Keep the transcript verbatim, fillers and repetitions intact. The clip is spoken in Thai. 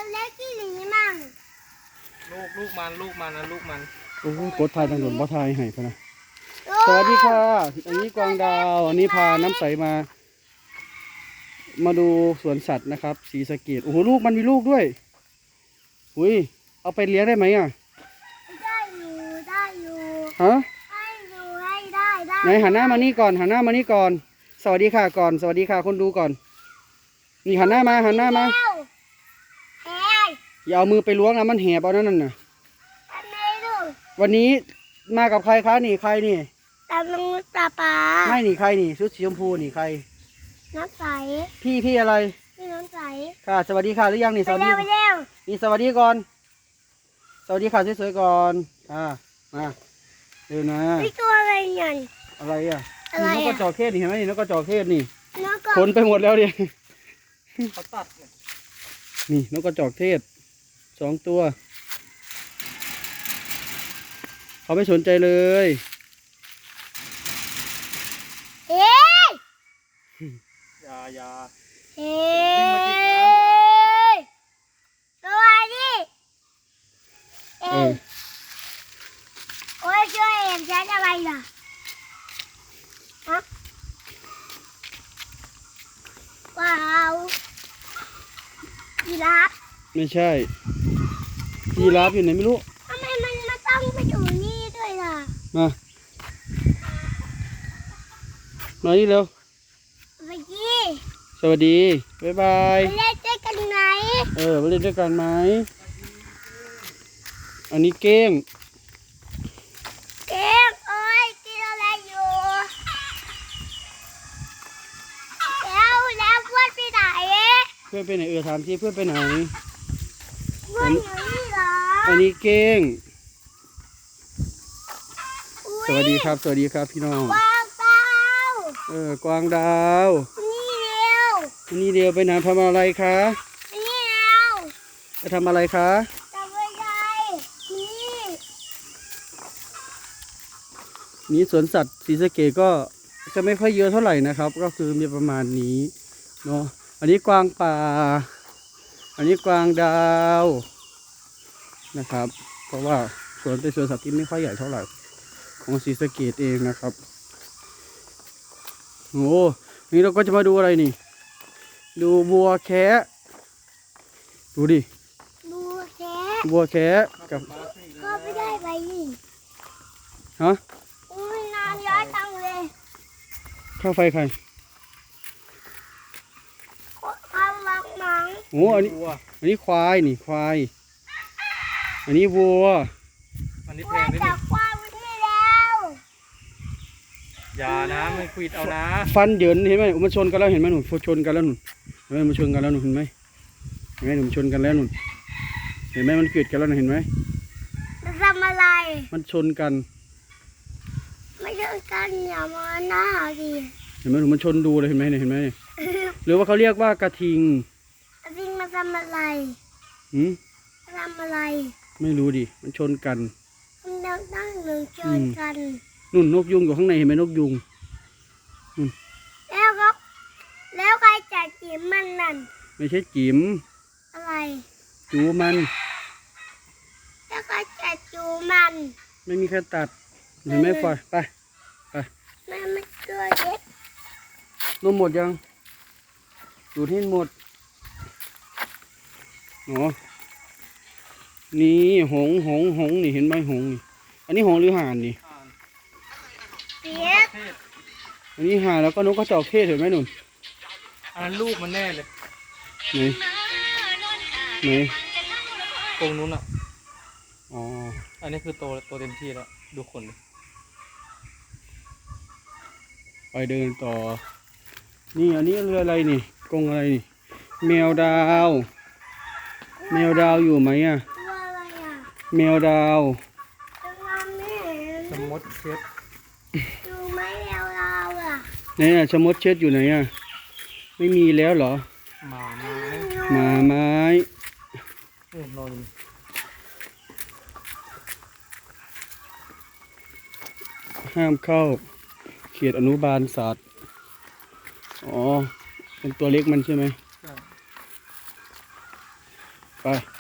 เล็กที่หนีมั่งลูกลูกมันลูกมันนะลูกมันโอ้โหกดทายทางหลวงบ่ทายให้พะนะสวัสดีค่ะอันนี้กวางดาวอันนี้พาน้ำใสมา มาดูสวนสัตว์นะครับศรีสะเกษโอ้โหลูกมันมีลูกด้วยอุ้ยเอาไปเลี้ยงได้ไหมอ่ะได้อยู่ได้อยู่ฮะให้อยู่ให้ได้ได้ไหนหันหน้ามานี่ก่อนหันหน้ามานี่ก่อนสวัสดีค่ะก่อนสวัสดีค่ะคนดูก่อนนี่หันหน้ามาหันหน้ามาอย่าเอามือไปล้วงนะมันแหบเอานั่นน่ะวันนี้มากับใครคะนี่ใครนี่ตาลุงตาปลาไม่นี่ใครนี่ชุดสีชมพูนี่ใครน้ำใสพี่พี่อะไรพี่น้ำใสค่ะสวัสดีค่ะหรือยังนี่สวัสดีไปเร็วนี่สวัสดีก่อนสวัสดีค่ะสวยๆก่อนค่ะมาเร็วนะนี่ตัวอะไรเนี่ยอะไรอ่ะอะไรนกกระจอกเทศนี่เห็นไหมนี่นกกระจอกเทศนี่ขนไปหมดแล้วดิเขาตัดนี่นกกระจอกเทศสองตัวเขาไม่สนใจเลยเฮ้ยยายาเฮ้ยตัวนี้เอ้ยโอ้ยช่วยเห็นฉันอะไรล่ะฮะว้าวยีราฟไม่ใช่ยีราฟอยู่ไหนไม่รู้ทำไมมันมาต้องไปอยู่นี่ด้วยล่ะมามานี่เร็วสวัสดีสวัสดีบ๊ายบายไปเล่นด้วยกันไหมเออไปเล่นด้วยกันไหมอันนี้เก้งเก้งโอ้ยกินอะไรอยู่แล้วแล้วเพื่อนไปไหนเพื่อนไปไหนเออถามสิเพื่อนไปไหนเพื่อนอยู่นี่เหรออันนี้เก้งสวัสดีครับสวัสดีครับพี่น้องกวางดาวเออกวางดาวนี่เร็วนี่เดียวไปไหนทำอะไรคะนี่เร็วไปทำอะไรคะทำอะไรนี่นี่สวนสัตว์ศรีสะเกษก็จะไม่ค่อยเยอะเท่าไหร่นะครับ ก็คือมีประมาณนี้เนาะอันนี้กวางป่าอันนี้กวางดาวนะครับเพราะว่าสวนเป็นสวนสัตว์ที่ไม่ค่อยใหญ่เท่าไหร่ของศรีสะเกษเองนะครับโอ้นี่เราก็จะมาดูอะไรนี่ดูบัวแคะดูดิบัวแคะบัวแคะกับก็ไม่ได้ไปนี่ฮะอุ้ยนานย้อยตังเลยข้าวไฟใครข้าวมังมังโอ้อันนี้อันนี้ควายนี่ควายอันนี้วัวอันนี้แพงนิดนึงอย่านะไม่ควิดเอานะฟันเหยินเห็นไหมมันชนกันแล้วเห็นไหมหนูชนกันแล้วหนูเห็นไหมมันชนกันแล้วหนูเห็นไหมเห็นไหมหนูชนกันแล้วหนูเห็นไหมมันเกลียดกันแล้วเห็นไหมมันทำอะไรมันชนกันไม่ชนกันอย่ามาหน้าดิเห็นไหมหนูมันชนดูเลยเห็นไหมเนี่ยเห็นไหมเนี่ยหรือว่าเขาเรียกว่ากระทิงกระทิงมันทำอะไรหืมทำอะไรไม่รู้ดิมันชนกันมันตั้งหนึ่งชนกันนุ่นนกยุงอยู่ข้างในเห็นไหมนกยุงแล้วก็แล้วใครจัดจิ๋มมันนั่นไม่ใช่จิ๋มอะไรจูมันแล้วใครจัดจูมันไม่มีใครตัดเห็นไหมฟอยไปไปแม่ไม่ตัวเล็กนมหมดยังดูที่หมดอ๋อนี่หงหงหงนี่เห็นไหมหงนี่อันนี้หงหรือห่านนี่อันนี้ห่านแล้วก็นกกระจอกเทศเห็นไหมหนุ่มอันนั้นลูกมันแน่เลยไหนไหนตรงนู้นอ่ะอ๋ออันนี้คือโตโตเต็มที่แล้วดูขนไปเดินต่อนี่อันนี้เรืออะไรนี่กรงอะไรนี่แมวดาวแมวดาวอยู่ไหมอ่ะแมวดาวสมดเช็ดดูไหมแมวดาวอ่ะไหนอ่ะชมดเช็ดอยู่ไหนอ่ะไม่มีแล้วเหรอหมาไม้หมาไม้นอนห้ามเข้าเขตอนุบาลสัตว์อ๋อเป็นตัวเล็กมันใช่ไหมไป